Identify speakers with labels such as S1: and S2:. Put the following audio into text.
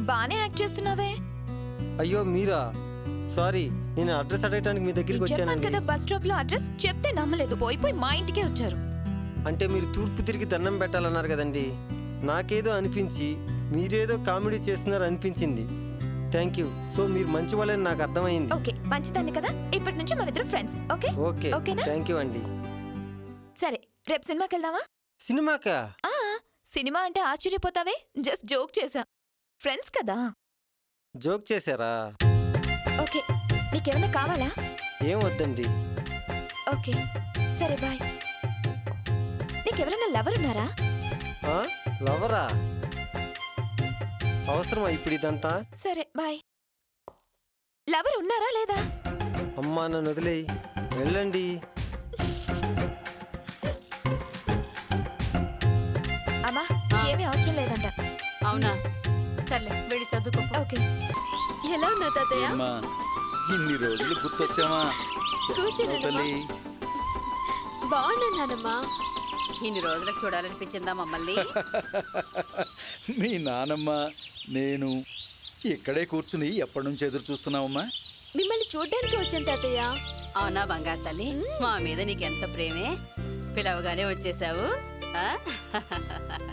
S1: బానే యాక్ట్ చేస్తున్నావే.
S2: అయ్యో మీరా? సారీ, నేను అడ్రస్ అడగడానికి మీ దగ్గరికి
S1: చెప్పాను
S2: వచ్చానండి.
S1: కదా బస్ స్టాప్ లో అడ్రస్ చెప్తే నమ్మలేదు. పోయి మా ఇంటికే వచ్చారు.
S2: అంటే మీరు తూర్పు తిరిగి దండం పెట్టాలన్నారు కదండి. నాకేదో అనిపించి మీరేదో కామెడీ చేస్తున్నారు అనిపించింది. Thank you. సో మీరు మంచి వాళ్ళని నాకు అర్థమైంది.
S1: ఓకే, మంచిదాన్ని కదా. ఇప్పటి నుంచి మన ఇద్దరు ఫ్రెండ్స్. ఓకే
S2: ఓకే,
S1: ఓకేనా?
S2: థ్యాంక్ యూ అండి.
S1: సరే, రేపు సినిమాకి వెళ్దామా?
S2: సినిమాకా?
S1: సినిమా అంటే ఆశ్చర్యపోతావే, జస్ట్ జోక్ చేశా. ఫ్రెండ్స్ కదా.
S2: జోక్ చేశారా?
S1: ఓకే, నీకేమైనా కావాలా?
S2: ఏం వద్దండి.
S1: ఓకే సరే, బాయ్. నీకెవరైనా లవర్ ఉన్నారా?
S2: లవరా? అవసరమా ఇప్పుడు ఇదంతా?
S1: సరే బాయ్. లవర్ ఉన్నారా లేదా?
S2: అమ్మా నన్ను వదిలేయి, వెళ్ళండి.
S1: అమ్మా, ఏమీ అవసరం లేదంట.
S3: అవునా? సర్లే, వెళ్ళి చదువుకో.
S1: ఓకే. ఎలా ఉన్నా తాతయ్య?
S4: అమ్మా, ఇన్ని రోజులు గుర్తొచ్చామా?
S1: కూర్చోండి. బాగున్నానమ్మా.
S3: ఇన్ని రోజులకు చూడాలనిపించిందా మమ్మల్ని?
S4: మీ నానమ్మ నేను ఇక్కడే కూర్చుని ఎప్పటి నుంచి ఎదురు చూస్తున్నావమ్మా?
S1: మిమ్మల్ని చూడ్డానికి వచ్చాను తాతయ్య.
S3: అవునా బంగారు తల్లి, మా మీద నీకెంత ప్రేమే, పిలవగానే వచ్చేసావు.